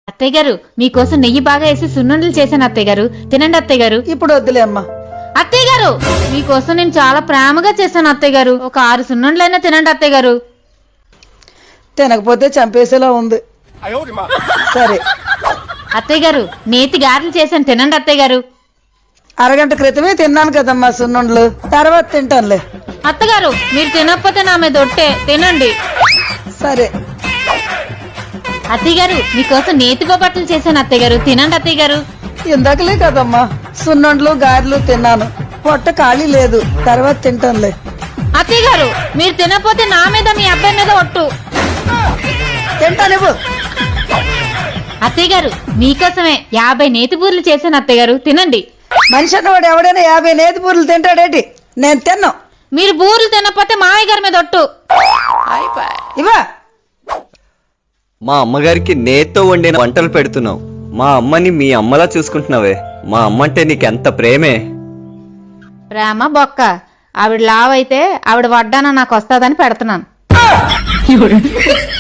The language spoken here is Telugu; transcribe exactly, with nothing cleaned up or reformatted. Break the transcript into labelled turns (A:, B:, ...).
A: అత్తయ్య గారు మీకోసం నెయ్యి బాగా వేసి సున్నుండలు చేశాను అత్తయ్య గారు, తినండి అత్తయ్య గారు.
B: ఇప్పుడు వద్దులే అమ్మా.
A: అత్తయ్య గారు మీకోసం నేను చాలా ప్రేమగా చేశాను అత్తయ్య గారు, ఒక ఆరు సున్నుండలైనా తినండి అత్తయ్య గారు.
B: తినకపోతే చంపేసేలా ఉంది. సరే
A: అత్తయ్య గారు నేతి గారెలు చేశాను, తినండి అత్తయ్య గారు.
B: అరగంట క్రితమే తిన్నాను కదమ్మా సున్నుండలు, తర్వాత తింటానులే.
A: అత్తగారు మీరు తినకపోతే నా మీద ఒట్టే, తినండి.
B: సరే
A: అత్తయ్య గారు మీకోసం నేతి బొబ్బట్లు చేశాను అత్తయ్య గారు, తినండి అత్తయ్య గారు.
B: ఇందాకలే కదమ్మా సున్నుండలు గారెలు తిన్నాను, పొట్ట ఖాళీ లేదు, తర్వాత తింటానులే.
A: అత్తయ్య గారు మీరు తినకపోతే నా మీద మీ అబ్బాయి మీద ఒట్టు.
B: తింటానివ్వు.
A: అత్తయ్య గారు మీకోసమే యాభై నేతి బూరెలు చేశాను అత్తయ్య గారు, తినండి.
B: మనిషి అన్నవాడు ఎవడైనా యాభై నేతి పూరలు తింటాడేటి? నేను తిన్నాను.
A: మీరు బూరెలు తినకపోతే మావయ్య గారి మీద ఒట్టు.
B: ఇవా
C: మా అమ్మగారికి నేత్తో వండిన వంటలు పెడుతున్నావు. మా అమ్మని మీ అమ్మలా చూసుకుంటున్నావే. మా అమ్మ అంటే నీకెంత ప్రేమే.
A: ప్రేమ బొక్క, ఆవిడ లావైతే ఆవిడ వడ్డాన నాకు వస్తాదని పెడుతున్నాను.